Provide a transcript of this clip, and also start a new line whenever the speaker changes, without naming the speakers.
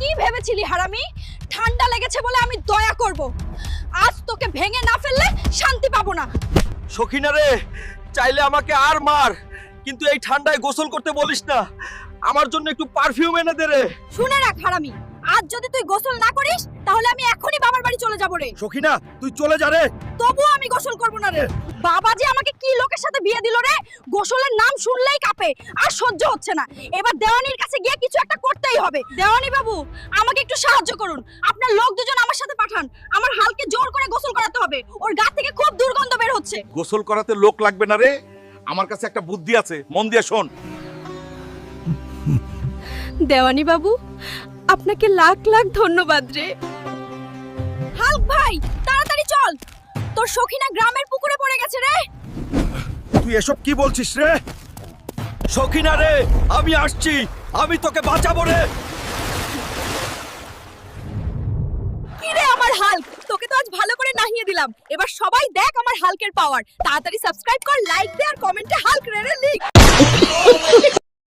কি ভেবেছিলি হারামি? ঠান্ডা লেগেছে বলে আমি দয়া করব। আজ তোকে ভেঙে না ফেললে শান্তি পাবো না।
সখিনা রে, চাইলে আমাকে আর মার, কিন্তু এই ঠান্ডায় গোসল করতে বলিস না। আমার জন্য একটু পারফিউম এনে দে রে।
শুনে রাখ হারামি, আজ যদি তুই গোসল না করিস তাহলে আমি এখনই বাবার বাড়ি চলে যাব রে।
সখিনা, তুই চলে যা রে।
তবুও আমি গোসল করব না রে। বাবা যে আমাকে কি লোকের সাথে বিয়ে দিল রে, গোসলের নাম শুনলেই কাঁপে, আর সহ্য হচ্ছে না। এবার দেওয়ানির কাছে গিয়ে কিছু একটা করতেই হবে। দেওয়ানি বাবু, আমাকে একটু সাহায্য করুন। আপনার লোক দুজন আমার সাথে পাঠান। আমার হালকে জোর করে গোসল করাতে হবে। ওর গা থেকে খুব দুর্গন্ধ বের হচ্ছে।
গোসল করাতে লোক লাগবে না রে, আমার কাছে একটা বুদ্ধি আছে, মন দিয়ে শোন।
দেওয়ানি বাবু, আপনাকে লাখ লাখ ধন্যবাদ রে। হাল্ক ভাই, তাড়াতাড়ি চল, তোর সখিনা গ্রামের পুকুরে পড়ে গেছে রে।
তুই এসব কি বলছিস রে? সখিনা রে, আমি আসছি, আমি তোকে বাঁচাবো রে।
কি রে আমার হাল্ক, তোকে তো আজ ভালো করে নাহিয়ে দিলাম। এবার সবাই দেখ আমার হাল্কের পাওয়ার। তাড়াতাড়ি সাবস্ক্রাইব কর, লাইক দে আর কমেন্টে হাল্ক রে লিখ।